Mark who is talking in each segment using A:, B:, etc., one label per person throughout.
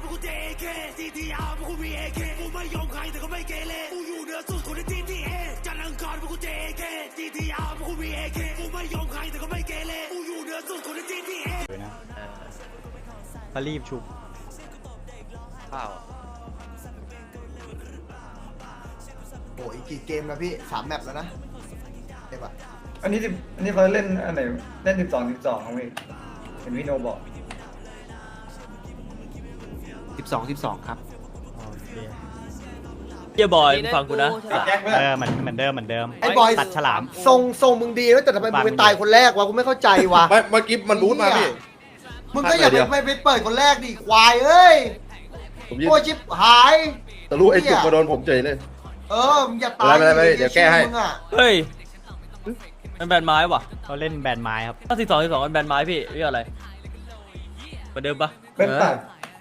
A: กูเจเคซีทีอาร์กูมีเอเคกูไม่ยอมใครแต่ก็ไม่เกเรกูอยู่เหนือสุดคนในทีทีเอจันทร์อังคารกูเจเคซีทีอาร์กูมีเอเคกูไม่ยอมใครแต่ก็ไม่เกเรกูอยู่เหนือสุดคนในทีทีเอ
B: ก็รีบชุบ
C: ข้าว
D: โอ้อีกกี่เกมนะพี่3 แมปแล้วนะเด็กอะ
E: อันนี้เขาเล่นอันไหนเล่น12ครับพี่เห็นพี่โนบอก
F: 12ครับ
B: เฮียบอยฟังกูนะ
E: เห
B: มือนเดิม
D: ไอ้บอย
B: ตัดฉลาม
D: ทรงมึงดีแล้วแต่ทำไมมึงไปตายคนแรกวะกูไม่เข้าใจวะ
G: เมื่อกี้มันบูทมาพี่
D: มึงก็อย่าไปเปิดคนแรกดิควายเอ้ยโคชิบหาย
G: แต่รู้ไอ้จุกมาโดนผมเฉยเลย
D: มึงอย่าตาย
G: ไม่เดี๋ยวแก้ให้
B: เฮ้ยมันแบนไม้ว่ะเขาเล่นแบนไม้ครับถ้า12มันแบนไม้พี่เรียกอะไรเหมือนเดิมปะ
E: เป็นตัด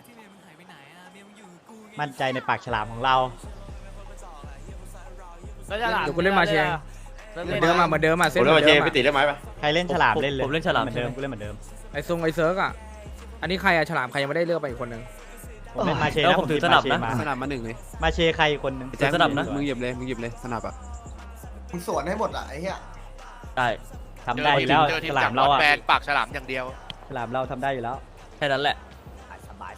B: มั่นใจในปากฉลามของเรา
F: เดี๋ยวกูเล่นมาเชงเหมือนเดิมเส้น
G: ผมเล่นมาเชงไปติดได้ไหมปะ
B: ใครเล่นฉลามเล่นเลยผมเล่นฉลามเหมือนเดิมกูเล่นเหมือนเดิม
F: ไอ้เซิร์กอ่ะอันนี้ใครอะฉลามใครยังไม่ได้เลือกไปอีกคนนึง
B: ผมเล่นมาเชแล้วผมถือสนับนะ
F: สนับมา1เลย
B: มาเชใครคนนึง
F: สนับนะมึงหยิบเลยสนับอ่ะ
D: มึงสวนให้หมดอ่ะไอ้เหี้ย
B: ได้ทำได้อยู่แล้วฉลามเราอะ
C: แบนปากฉลามอย่างเดียว
B: ฉลามเราทำได้อยู่แล้วแค่นั้นแหละสบาย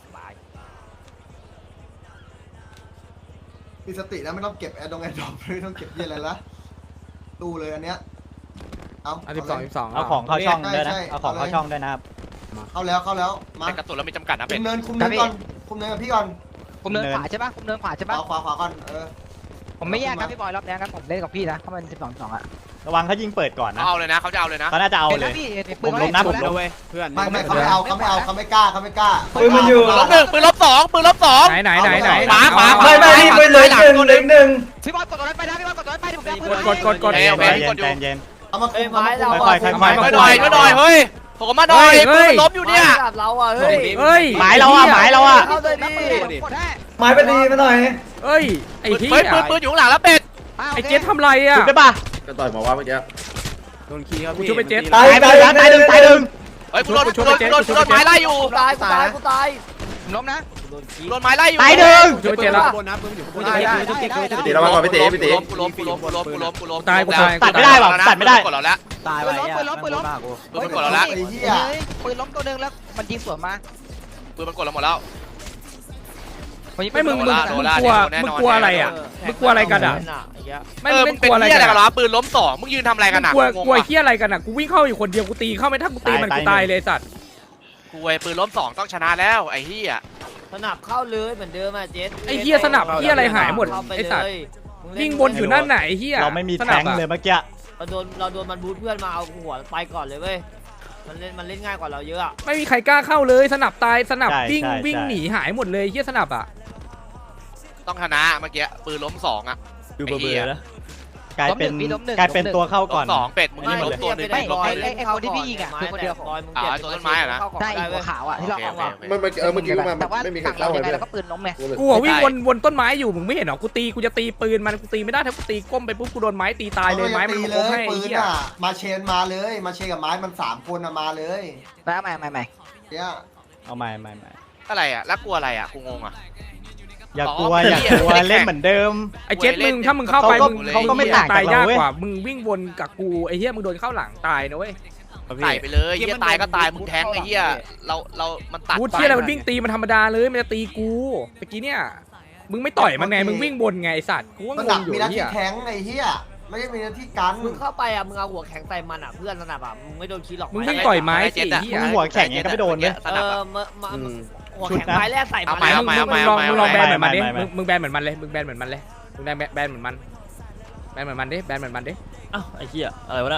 D: มีสตินะไม่ต้องเก็บแอร์ดรอปไม่ต้องเก็บเยอะอะไรละตู้เลยอันเนี้ย
F: เอา12
B: เอาของเข้าช่องด้วยนะเอาของเข้าช่องด้วยนะครับ
D: เข้าแล้วมา
C: แต่กระตุนแล้วไม่จำกัดนะเป็
D: นคุมเนินก่อนคุมเนินกับพี่ก่อน
H: คุมเนินขวาใช่ปะคุมเนินขวาใช่ปะ
D: ขวาก่อน
H: ผมไม่แยกครับพี่บอยรอบนี้ครับผมเล่นกับพี่นะเพราะมัน12-2อะ
B: ระวังเขายิงเปิดก่อนนะ
C: เอาเลยนะเขาจะเอาเลยนะ
B: เขาน่าจะเอาเลย
H: ผม
B: ล้มนะผมล้ม
F: เพื่อน
D: ไม่เขาไม่เอาเขาไม่กล้า
E: ปืนมันอยู่
C: ปืนลบสอง
F: ไหน
C: ขวา
E: ไม่ปืนเลยหนึ่ง
H: พี่บอยกดตัวนั้นไปนะพี่บอยกดตัวนั้นไปผม
F: กด
B: เย็น
D: เอามาคุมเรา
C: มาหน่อยเฮ้ยผมมาหน่อยปืนล้มอยู่เนี่ย
H: เราอ่ะเ
F: ฮ้ย
B: หมายเราอ่ะ
H: เข้าเลยดิ
E: หมายไปดีมาหน่อย
F: เฮ้ยไอ้ที่
C: ปืนอยู่ข้างหลังแล้วเป็ด
F: ไอ้เจ๊ทำไรอ่ะ
B: ได้ป่ะ
G: ก็ต่อยหมอว่าเมื่อกี้
F: โดนขี้ครับพี่ช่วยไปเจ๊
B: ตายหนึ่ง
C: เฮ้ยกูโดนไม้ไล่อยู่
H: ตายล้มนะ
C: โดนไม้ไล่อยู่
B: ตายหนึ่ง
F: ช่วยเจ๊แล้ว
G: ตีเรามาก่อนไปตี
C: กูล้ม
F: ตาย
B: ตัดไม่ได้หรอตัดไม่ได้
C: กดเราแล้ว
H: ตายไปปืนล้ม
C: ปืนกดเราแล้ว
H: ปืนล้มตัวนึงแล้วมันยิงสวนมา
C: ปืนมันกดเราหมดแล้ว
F: ไม่มึงกลัวอะไรอ่ะมึงกลัวอะไรกันอ่ะ
C: ไม่เป็นกลัวอะไรกันหรอปืนล้ม2มึงยืนทำอะไรกันอ่ะ
F: กลัวเหี้ยอะไรกันอ่ะกูวิ่งเข้าอยู่คนเดียวกูตีเข้าไม่ถ้ากูตีมันกูตายเลยสัตว์
C: กูไอ้ปืนล้ม2ต้องชนะแล้วไอ้เหี้ย
H: สนับเข้าเลยเหมือนเดิมอ่ะเจส
F: ไอ้เหี้ยสนับเหี้ยอะไรหายหมดไอ้สัตว์วิ่งบนอยู่นั่นไหนเหี้ย
B: เราไม่มีแทงเลยเมื่อกี้
H: เราโดนมันบูทเพื่อนมาเอาหัวไปก่อนเลยเว้ยมันเล่นง่ายกว่าเราเยอะ
F: ไม่มีใครกล้าเข้าเลยสนับตายสนับวิ่งหนีหายหมดเลยเหี้ยสนับอ่ะ
C: ต้องชนะเมื่อกี้ปืนล้ม2อ่ะ
B: ดูเบอร์แล้วกลายเป็นตัวเข้าก่อน
C: 2เป็ดมึงยิงล้มตัวนึง
H: ไอ้คนที่พี่ยิงอ่ะคือคนเดียว
C: ตัวต้นไม้อ่ะนะ
H: ได้หัวขาวอ่ะที่เราเอาอ่ะ
G: เมื่อกี้มาไม่มีใครเข้าเลย
H: แล้วก็ปืนล้มไง
F: กูวิ่งวนต้นไม้อยู่มึงไม่เห็นหรอกูจะตีปืนมันกูตีไม่ได้ถ้ากูตีก้มไปปุ๊บกูโดนไม้ตีตายเลยไม้มันล้มให้
D: ปืนอ่ะมาเชนมาเลยมาเชนกับไม้มัน3 คนมาเลย
H: แล้วใหม่
D: เนี่ย
B: เอาใหม่
C: อะไรอ่ะแล้วกลัวอะไรอ่ะกูงงอ่ะ
B: อย่ากลัวเล่นเหมือนเดิม
F: ไอ้เจ็ดมึงถ้ามึงเข้าไปเขาก็ไม่ตายยากกว่ามึงวิ่งวนกับกูไอ้เหี้ยมึงโดนเข้าหลังตายนะเว้ย
C: ตายไปเลยเหี้ยตายก็ตายมึงแทงไอ้เหี้ยเรามันตัด
F: กูเหี้ยอะไรมันวิ่งตีมันธรรมดาเลยมันจะตีกูเมื่อกี้เนี่ยมึงไม่ต่อยมันไงมึงวิ่งบนไงไอ้สัตว์กูว่างงอยู่
D: มีหน้าที่แทงไอ้เหี้ยไม่ได้มีหน้าที่กัน
H: มึงเข้าไปอ่ะมึงเอาหัวแข็งใส่มันอ่ะเพื่อนสนับอ่ะมึงไม่โดนขี้หรอก
F: มึงวิ่งต่อยไม้สิ
B: มึงหัวแข็งยังก็ไม่โดนเลย
H: หัวแข็งไม้แรกใส่มัน
F: มึงลองแบนเหมือนมันดิมึงแบนเหมือนมันเลยมึงแบนเหมือนมันเลยมึงแบนเหมือนมันแบนเหมือนมันดิ
B: อ้าวไอ้เหี้ยอะไรวะน่ะ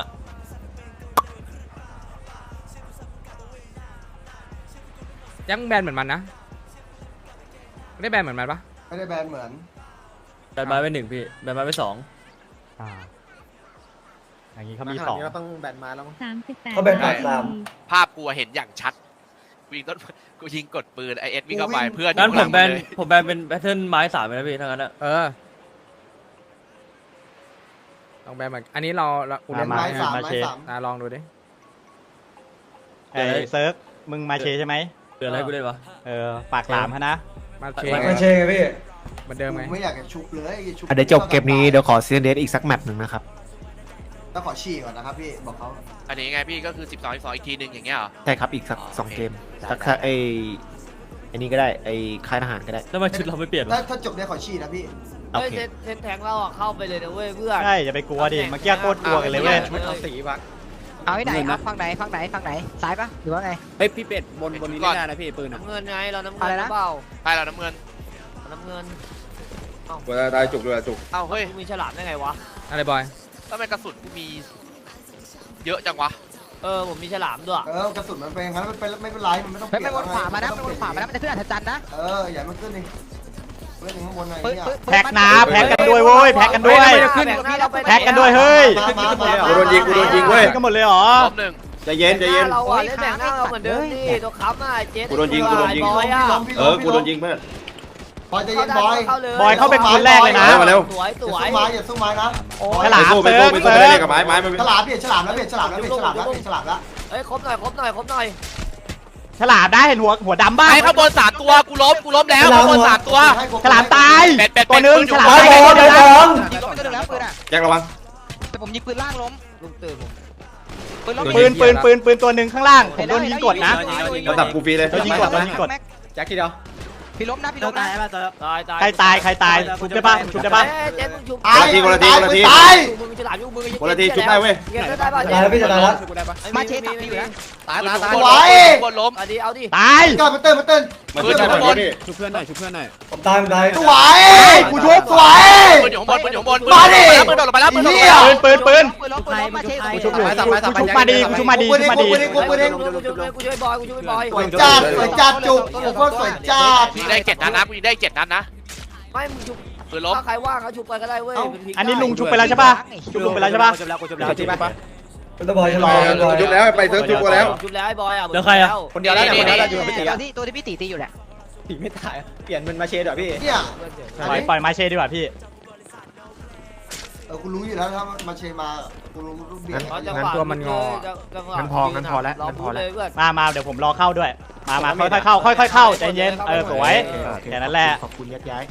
F: ยังแบนเหมือนมันนะไม่ได้แบนเหมือนมันปะ
D: ไม่ได้แบนเหมือน
B: แบนไม้ไป1พี่แบนไม้ไป2อย่างนี้เขามี2
D: ก็ต้องแบนไม้แล้วมั้ง
E: เขาแบน
C: ภาพกูเห็นอย่างชัดกูยิงกดปืนไอเอสวิ่งเข้าไปเพื่อน
B: นั้นผมแบนเป็นแพทเทิร์นไม้3เลยนะพี่ทั้งนั้น
F: ลองแบนแบบอันนี้เรา
D: เล่นไม้3
F: ลองดูดิ
B: เซิร์ฟมึงมาเชใช่ไหมเดืออะไรกูเล่นวะ
I: ปากหลามฮะนะ
F: มาเช
E: มาเชงไงพี่
F: เหมือนเดิมไง
D: กูไม่อยากจะชุบเลยชุบ
J: เดี๋ยวจบเกมนี้เดี๋ยวขอซีเดสอีกสักแมตช์หนึ่งนะครับ
D: ต้องขอฉี่ก่อนนะครับพี่บอกเขา
C: อันนี้ไงพี่ก็คือ12อีกทีหนึ่งอย่างเงี้ยเหรอ
J: ใช่ครับอีกสัก2เกมสักไอ้นี่ก็ได้ไอ้ค่ายทหารก็ได้
B: แล้วทำไมชุดเราไม่เปลี่ยนวะ
D: ถ้าจบได้ขอฉี่นะพี่
J: โอ
H: เฮ้ย
J: เค
H: เซนแทงเราอ่ะเข้าไปเลยนะเว้ยเพื่อน
I: ใช่อย่าไปกลัวดิเมื่อกี้โคตรกลัวกันเลยเว้ย
C: ชุดเอาสีวะ
H: เอาที่ไหนครับฝั่งไหนซ้ายปะหรือว่าไง
C: เฮ้ยพี่เป็ดบนนี้ไม่ได้นะพี่ปืน
H: น้ำเงินไงเราน้ำเงินหรือเปล่า
C: ใช่เราน้ำเงิน
H: น้ำเงิน
G: เวลาได้จุกด้วยจุก
C: เอ้าเฮ้ย
H: กูมีฉลามได้ไงวะ
F: อะไรบอย
C: ทำไมกระสุนกูมีเยอะจังวะ
H: ผมมีฉลามด้วย
D: กระสุนมันเป็นงั้นไม่เป็นไรมันไม่ต้อง
H: ไปวนขวามานะไปวนขวามานะมันจะขึ้นอัศจรรย์นะ
D: อย่ามันขึ้นดิเล่นข้างบนหน่อยเนี่ย
I: แพ็กนะแพ็กกันด้วยเว้ยแพ็กกันด้วย แพ็กกันด้วยเฮ้ย
G: กูโดนยิงเว้ย
I: กันหมดเลยเหรอ
C: รอบหนึ่ง
G: ใจเย็นใจเย็น
H: เราอ่ะเล่นแบ่งหน้าเราเหมือนเดิมดิตัวค้ำอ่ะเจ๊
G: กูโดนยิง
H: บอยอ่ะ
G: กูโดนยิงเพื่อน
D: บอยใจเย็นบอย
I: บอยเข้าเป็นคนแรกเลยนะ
G: มาเร็ว
H: สวยส
D: อย่า
H: วย
D: สู้ไม้อย่าสู้ไม้นะ
I: ฉลาม
G: ไป
I: เติร์ก
G: ไป
I: เติ
G: ไป
I: ร์ก
G: กับไม้มัน
D: ฉลามเปลี่ยนฉลามแล้วเปลี่ยนฉลามแล้วเปลี่ยนฉลามแล้วเปลี่ยนฉลามแล้ว
H: เฮ้ยครบหน่อยครบหน่อย
I: ฉลามได้เห็นหัวดำบ้าง
C: ไอ้ข้างบน3ตัวกูล้มแล้วข้างบน3ตัว
I: ฉลามตาย
C: เป็ด
I: ตัวนึงฉลาม
C: เป็
I: ตาย
C: ด
I: เดี๋ยวนะ
H: ยิงก็ไม่ได้แล้วปืนอ่ะ
G: แจ็คระวัง
H: แต่ผมยิงปืนล่างล้มลุงตื่นผมปืนล้ม
I: ปืนตัวหนึ่งข้างล่างผมโดนยิงกดนะ
G: ระดับกูฟรีเลย
I: โดนยิงกดโดนยิงกด
G: แจ็คทีเดียว
H: พี่ล้มนะพี่ล้มนะตาย
I: ใครตายชุบได้ปะชุบได้ปะ
H: เจ๊มึงชุบ
D: ตาย
C: คนละที
H: มึงฉลามอยู่มึง
G: คนละทีชุบได้เว้ย
H: ได้ป่ะ
E: ตายแล้วพี่จะตายแล้ว
H: มาเชตับอยู่นะ
C: ตาย
H: บนล้มเอาดิ
I: ตาย
D: ก่อนมาเต้น
G: มันขึ้นข้างบน
E: ผมตายผมตาย
D: สวย
I: กูชุบ
D: สวย
C: ปืนอยู่ข้างบนปืนอยู่ข้างบน
D: มาดิ
C: ปืนโดดลงไปแล้วปืนโดดลงไป
D: เหี้ย
C: แล้ว
I: ปืน
H: ปืนล้มมาเช
I: กูชุบมาดีกูชุบมาดี
D: กูช่วยบอยสวยจัดสวยจัดจุกโคตรสวยจัด
C: ยิงได้7 นัดนะกูยิงได้7 นัดนะ
H: ไม่มึงชุบ
C: ปืนล้ม
H: ถ้าใครว่างเขาชุบไปก็ได้เว้ย
I: อันนี้ลุงชุบไปแล้วใช่ปะชุบลุงไปแล้วใช่ปะ
E: เป็นตะบอยฉลามเป็นตะบอย
G: จุกแล้วไปเซิร์ฟจุกแล้ว
H: ชุบแล้วไอ้บอยอ่ะ
B: เดี๋ยวใครอะ
C: คนเดียวแล้วเนี่ยคนเดียวแล้วอยู่
H: ตัวที่พี่ตีตีอยู่แหละ
D: เนี่ย
I: ปล่อยมาเชดีกว่าพี่
D: กูรู้อยู่แล้วถ้ามาเชมากูรู้รูปเบียร์
I: มาเดี๋ยวผมรอเข้าด้วยมาค่อยๆเข้าค่อยๆเข้าใจเย็นสวยแค่นั้นแหละ
J: ขอบคุณยักย้าย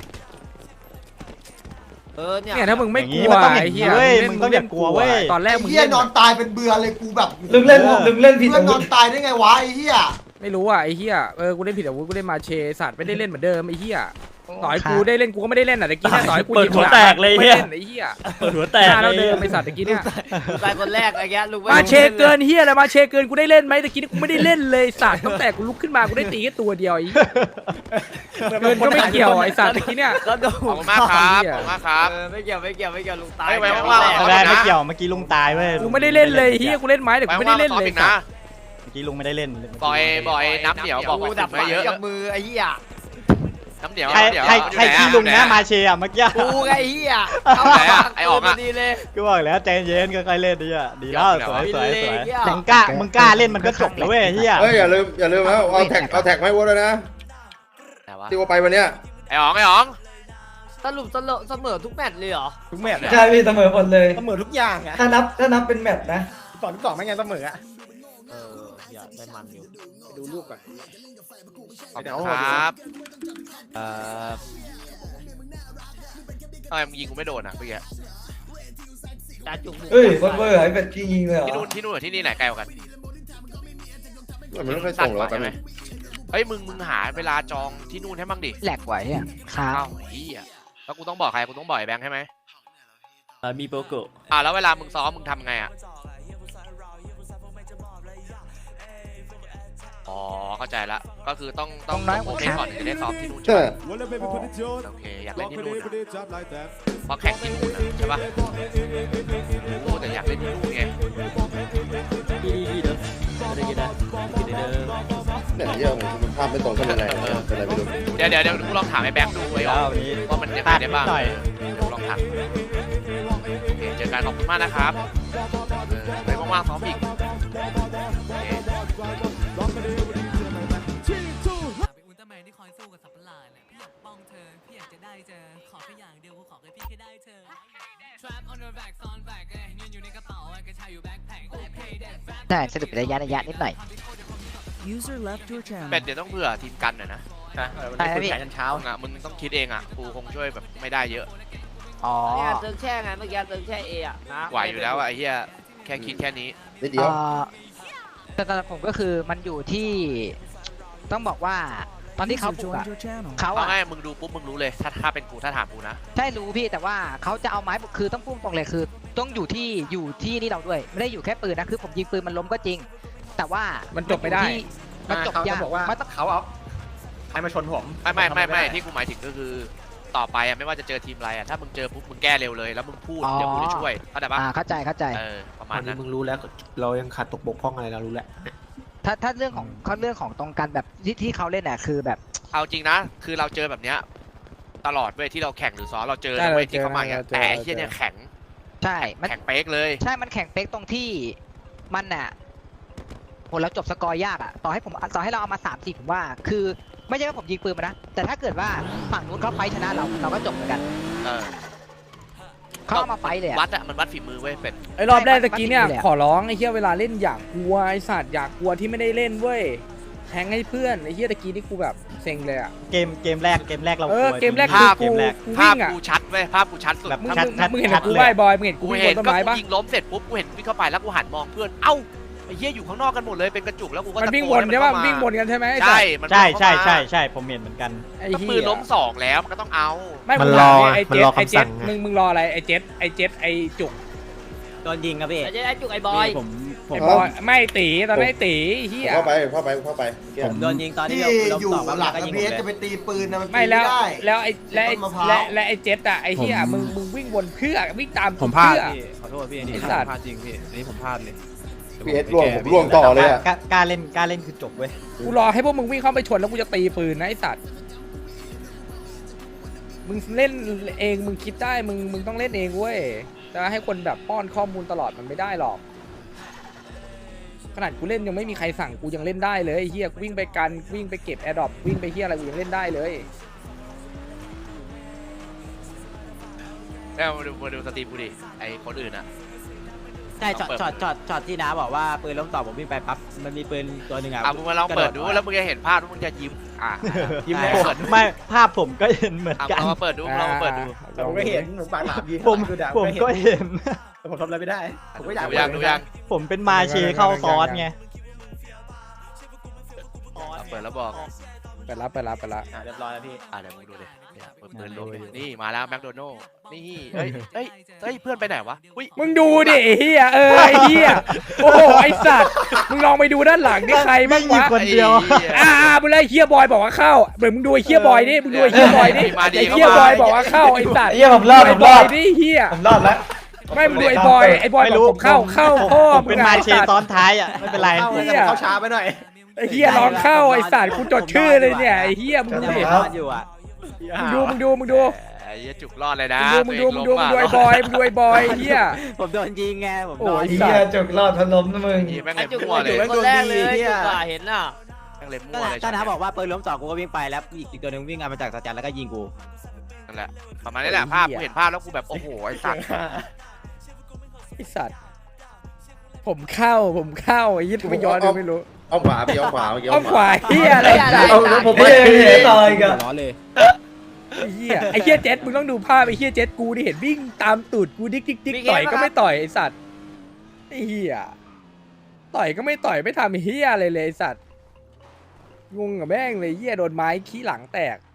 F: เนี่ยถ้ามึงไม่
I: อย่าง
F: ก
I: งี้
F: ลัว
I: มันต้องอย่าง
F: ไอ้
I: งี้
F: เหี้ย
I: เว้ยมึงต้องอย่ากลัวเว้ย
F: ตอนแรก
D: ไอ้
F: มึง
D: เหี้ย
F: เล่น
D: นอนตายเป็นเบื่อเลยกูแบบ
E: ลึกเล่นผิด
D: เพื่อ
E: อาน
D: น
E: วุ
D: อ
E: ธ
D: นตายได้ไงวะไอ้เหี้ย
F: ไม่รู้อ่ะไอ้เหี้ยกูเล่นผิดอาวุธกูเล่นมาเชสัตว์ไม่ได้เล่นเหมือนเดิมไอ้เหี้ยต่อยกูได้เล่นกูก็ไม่ได้เล่นอ่ะตะกี้เนี่ยต่อยกู
B: เปิดหัวแตกเลย
F: ไม่
B: เฮีย
F: เล่นไอ้เหี้ย
B: เปิดหัวแตก
F: หน้า
B: เล
F: เรา
B: ย
F: เดิมไอ้สัตว์ตะกี้เนี่ย
H: ตายคนแรกไอ้แกลุง
F: มาเชเกินเหี้ยอะไรมาเชเกินกูได้เล่นไหมตะกี้นี่กูไม่ได้เล่นเลยสัตว์ตั้งแต่กูลุกขึ้นมากูได้ตีแค่ตัวเดียวไอ้เกินก็ไม่เกี่ยวไอ้สัตว์ตะกี้เนี่ย
H: ก็โด
C: ขอบคุณมากครับขอบคุณมากครับ
H: ไม่เกี่ยวลุงตาย
C: ไว้ว่างๆ
I: ไม่ได้ไม่เกี่ยวเมื่อกี้ลุงตายเว้ย
F: กูไม่ได้เล่นเลยเหี้ยกูเล่นไม้แต่กูไม่ได้เล่นเลย
C: นะ
I: เมื่อกี้ลุงไม่ได้เล่น
C: บอยน้ำเหนียวบอก
H: กูดับ
C: ไม่เยอะ
H: กับมือไอ้เหี้ย
C: น้ำเหนียว
I: ใครขี้ลุงนะมาเชียเมื่อกี้
H: กูไงเหี้ยดีเลย
I: กูบอกแล้วใจเย็นค่อยๆเล่นดีอ่ะดีแล้วสวยมึงกล้าเล่นมันก็จบแล้วเว้ยเฮีย
G: เฮ้ยอย่าลืมแล้วเอาแท็กไม่วัวเลยนะที่ว่าไปวันเนี้ย
C: ไอ้อ๋อง
H: สรุปเสมอทุกแมตช์เลยเหรอ
E: ทุกแมตช์ใช่พี่เสมอหมดเลย
B: เสมอทุกอย่างอะ
E: ถ้านับเป็นแมตช์นะ
B: 2-2ไม่งั้นเสมออะ
H: อย่าได้มันอยู่
B: ดูรูปก่อน
C: ขอบคุณครับทำไมมึงยิงกูไม่โดนอ่ะเมื่อกี้
H: ตาจุก
E: เฮ้ยโคตรเวอร์ไอ้เป็ดยิงเลยเหรอ
C: ที่นู่นที่นี่ไหนไกลกว่ากัน
G: มันไม่ค่อยส่งหรอก
C: ใช่ไหมเฮ้ยมึงหาเวลาจองที่นู่นให้บ้างดิ
H: แหลกไหวอ่ะครับ
C: อ้าวเฮียแล้วกูต้องบอกใครกูต้องบอกไอ้แบงค์ใช่ไหม
B: มีโปรโก
C: แล้วเวลามึงซ้อมมึงทำไงอ่ะอ๋อเข้าใจละก็คือต้องโอเคก่อนถึงจะได้ซ้อมที่นู่นใช่ไหมโอเคอยากเล่นที่นู่นเพราะแข่งที่นู่นใช่ปะโอ้แต่อยากเล่นที่นู่นไง
B: ดีเด้อไม่ได้กินนะกินเด้อ
G: เนี่ยเยอะมันภาพไม่ตรงกันยังไงเป็นอะไรไม่รู้
C: เดี๋ยวกูลองถามไอ้แบงค์ดูไว้ก่อนว่ามันยังไงได้บ้างลองถามโอเคเจอกันขอบคุณมากนะครับไปว่างๆซ้อมอีกโอเค
A: อุลตร้าแมนที่คอยสู้กับสัตว์ประหลาดเนี่ยพี่อยากป้องเธอพี่อยากจะได้เจอขอแค่อย่างเดียวกูขอแค่พี่แค่ได้เธอ Trap on your back ซ้อนแบกเงินอยู่ในกระเป๋ากระชายอยู่แบ็คแพ็ค
H: ได้สรุประยะนิดหน่อย
C: เป็ดเดี๋ยวต้องเผื่อทีมกันหน่อยนะ
H: ใช่พี่
B: เช้า
C: มึงต้องคิดเองอ่ะกูคงช่วยแบบไม่ได้เยอะ
H: อ๋อเนี่ยเติมแช่ไงเมื่อกี้เติมแช่เอะนะ
C: ไหวอยู่แล้วอะไอ้เหี้ยแค่คิดแค่นี้
G: นิดเดียว
H: แต่ตอนผมก็คือมันอยู่ที่ต้องบอกว่าตอนที่เขาปลุกอะเขา
C: เอา
H: อะ
C: ง่ายมึงดูปุ๊บมึงรู้เลยถ้าเป็นกูถ้าถามกูนะ
H: ใช่รู้พี่แต่ว่าเขาจะเอาไม้ปลุกคือต้องพุ่งตรงเลยคือ ต้องอยู่ที่นี่เราด้วยไม่ได้อยู่แค่ปืนนะคือผมยิงปืนมันล้มก็จริง แต่ว่ามัน
F: จบไม่ได้
H: มันจบยากมันต้อง
B: เขาเอาใครมาชนผม
C: ไม่ที่กูหมายถึงก็คือต่อไปอะไม่ว่าจะเจอทีมอะไรอะถ้ามึงเจอปุ๊บมึงแก้เร็วเลยแล้วมึงพูดเดี๋ยวกูจะช่วยเข้าใจปะ
H: เข้าใจ
C: ประมา
J: ต
C: ณ
J: อนนี้
C: นั้น
J: มึงรู้แล้วเรายังขาดตกบกพร่องอะไรเรารู้แล้ว
H: ถ้าเรื่องของตรงกันแบบที่เขาเล่นน่ะคือแบบ
C: เอาจริงนะคือเราเจอแบบเนี้ยตลอดเว้ยที่เราแข่งหรือซ้อมเราเจอ
F: ใช่
C: นะเว้ย
F: เราเจอ
C: ที่เขามาอย่าง
F: เราเจอ
C: แต่ไอ้เหี้ยเนี่ยแข็ง
H: ใช่มัน
C: แข็งเป๊กเลย
H: ใช่มันแข่งเป๊กตรงที่มันน่ะโหเราจบสกอร์ยากอ่ะต่อให้เราเอามา3-4ผมว่า คือไม่ใช่ว่าผมยิงปืนมานะแต่ถ้าเกิดว่าฝั่งนู้นเขาไฟชนะเราก็จบเหมือนกัน
C: เออ
H: เขาเอามาไฟเลยอะ
C: วัดอะมันวัดฝีมือเว้ยเป็ด
F: ไอ้รอบแรกตะกี้เนี่ย
H: มันติดอยู่แหละ
F: ขอร้องไอ้เหี้ยเวลาเล่นอยากกลัวไอ้สัตว์อยากกลัวที่ไม่ได้เล่นเว้ยแทงให้เพื่อนไอ้เหี้ยตะกี้นี่กูแบบเซ็งเลยอ่ะ
I: เกมแรกเรา
F: เออ
I: กลัว
F: เกมแรก
I: จริง
C: ภาพ
I: เกมแรก
F: กู
C: ภา
F: วิ่
C: พ
F: งอ่ะ
C: กูชัดเว้ยภาพกูชัดสุด
I: แบบ
F: มึง
I: ชัด
F: มึงเห็น
I: ชัด
F: กู
I: เลย
F: ไหว้บอยมึงเห็นกู
C: กู
F: วิ่งบ
C: เห็น
F: นต้น
C: ก็
F: ไม้
C: กู
F: ปะ
C: ยิงล้มเสร็จปุ๊บกูเห็นวิ่งเข้าไปแล้วกูหันมองเพื่อนเอ้าไอ้เหี้ยอยู่ข้างนอกกันหมดเลยเป็นกระจุกแล้วกูก็
F: มัน
C: ตะ
F: วิ่ง
C: โก
F: วน
C: น
F: ใช่ปะ
C: ให้
F: วิ่งวนกันใช่ไหมไอ้สั
C: ใช่
F: ตว์
C: มัน
I: ใช่
C: วิ่งเข้ามา
I: ใช่ผมเห็นเหมือนกัน
F: ไอ้
C: ก็
F: เหี้
C: ปืน
F: ย
C: ล้ม2แล้วมันก็ต้องเอา
F: ไม่
J: มัน
F: ง
J: รอ
F: ไอ้
J: มัน
F: เจ็
J: ร
F: ด
J: อ
F: ไอ้
J: คำ
F: เจ็
J: สั่
F: ด
J: งไง
F: มึงรออะไรไอ้เจ็ดไอ้จุก
B: โดนยิงครับพี่
H: ไอ้จุกไอ้บอย
B: ผม
F: ไอ้บอยไม่ตีตอนนั้นไอ้ตีเหี้ย
G: เข้าไป
B: ผมโดนยิงตอนที่
D: ที่
B: เรา
D: อยู่
B: ต่อมา
D: หลัง
B: ก็ยิง
D: พี
B: ผม
D: เอส
B: เลย
D: จะไปตีปืนนะมัน
F: ไม่
D: ตี
F: แล้ว
D: ไม่ได้
F: แล้วไอ้และไอ้
D: ต้นมะพร้าว
F: และไอ้เจ็ดอะไอ้เหี้ยมึงวิ่งวนเพื่อวิ่งตาม
B: ผมพลาด
F: เพื่อ
B: พี่ขอโทษพี่อันนี้
F: ไอ้สัตว์
B: พลาดจริงพี่อันนี้ผมพลาดเลย
G: พีเอสล่วงผมล่วงต่อเลยอะ
I: กล้าเล่นคือจบเว้ย
F: กูรอให้พวกมึงวิ่งเข้าไปชนแล้วกูจะตีปืนนะไอ้สัตว์มึงเล่นเองมึงคิดได้มึงต้องเล่นเองเว้ยจะให้คนแบบป้อนข้อมูลตลอดมันไม่ได้หรอกขนาดกูเล่นยังไม่มีใครสั่งกูยังเล่นได้เลยไอ้เฮียกูวิ่งไปกันวิ่งไปเก็บแอร์ดรอปวิ่งไปเฮียอะไรกูยังเล่นได้เลย
C: แล้วมาดูสตรีมกูดิไอ้คนอื่นอะ
B: ใช่ช็อตที่น้าบอกว่าปืนล้มต่อผมวิ่งไปปั๊บมันมีปืนตัวหนึ่งอ่ะ
C: มึงมาลองเปิดดูแล้วมึงจะเห็นภาพแล้วมึงจะยิ้มยิ้ม
B: ใช่
C: เปิดดู
I: ไม่ภาพผมก็เห็นเหมือนกัน
C: ลองมาเปิดดูลองมาเปิดดู
B: ผมก็เห็นผมปากหลามยิง
I: ผมก็เห็น
B: ผมทำอะไรไม่ได้ผมก็อยาก
C: ดูยัง
I: ผมเป็นมาเชเข้าซ้อนไง
C: เปิดแล้วบอก
F: ไปรับ
B: เรียบร้อยแล้วพี่
C: เดี๋ยวมึงดูดิเนี่ยเปิดปืนลมดินี่มาแล้วแมคโดนัลล์นี่เฮ้ยเพื่อนไปไหนวะอุ้ย
F: มึงดูดิไอ้เฮียไอ้เฮียโอ้โหไอ้สัตว์มึงลองไปดูด้านหลังนี่ใครบ้างวะ
I: คนเดียว
F: มึงเลยเฮียบอยบอกว่าเข้าเดี๋ยวมึงดูไอ้เฮียบอยดิมึงดูไอ้เฮียบอยดิไอ้เฮียบอยบอกว่าเข้าไอ้สัตว์
E: เฮียผมรอด
F: ไอ้บอยดิเฮีย
E: ผมรอดแล้ว
F: ไม่มึงดูไอ้บอยบอกผมเข้าพ่อ
I: ผม
F: มึ
I: เป็น
F: ง
I: มา
F: ไอ้
I: เช
F: สัตว์
I: ซ้อนท้ายอ่ะไม่เป็นไร
B: เขาช้าไปหน่อย
F: ไอ้เฮียร้องเข้าไอ้สัตว์กูจดชื่อเลยเนี่ยไอ้เฮียมึงดูดิ
B: รอดอยู่อ่ะ
F: มึงดู
C: ไอ้เหี้ยจุกรอดเลยนะ
F: มึงดูไอ้บอยมึงดูไอ้บอยเฮีย
B: ผมโดนยิงไงผม
F: โอ้
B: โดน
F: ย
E: เฮียจุกรอดพนมนะมึง
C: แม่ง
H: ไอ้
C: เล็บ
H: จุก
C: มั่วเลย
H: คนแรกเลยจุกเห็นน่ะ
C: แม่งเล็บมั่วเลย
B: ก็น้าบอกว่าปืนล้มต่อกูก็วิ่งไปแล้วอีกตัวหนึงวิ่งมาจากสแตนแล้วก็ยิงกู
C: นั่นแหละประมาณนี้แหละภาพกูเห็นภาพแล้วกูแบบโอ้โหไอ้สัตว์
F: ไอ้สัตว์ผมเข้าไอ้ยี่ทำไมย้อนดูไม่รู้
G: เอาขวาพี่เอาขวาเมื่อกี้
F: อ้อมขวาเฮียอะไร
E: เอาแล้วผมไม่เห็นต่อยกัน
B: ร้อนเลย
F: ไอ้เฮียเจ็ดมึงต้องดูภาพไอ้เฮียเจ็ดกูดิเห็นวิ่งตามตูดกูดิ๊กต่อยก็ไม่ต่อยไอ้สัตว์ไอ้เฮียต่อยก็ไม่ต่อยไม่ทำเฮียอะไรเลยไอ้สัตว์งงกับแม่งเลยเฮียโดนไม้ขี้หลังแตก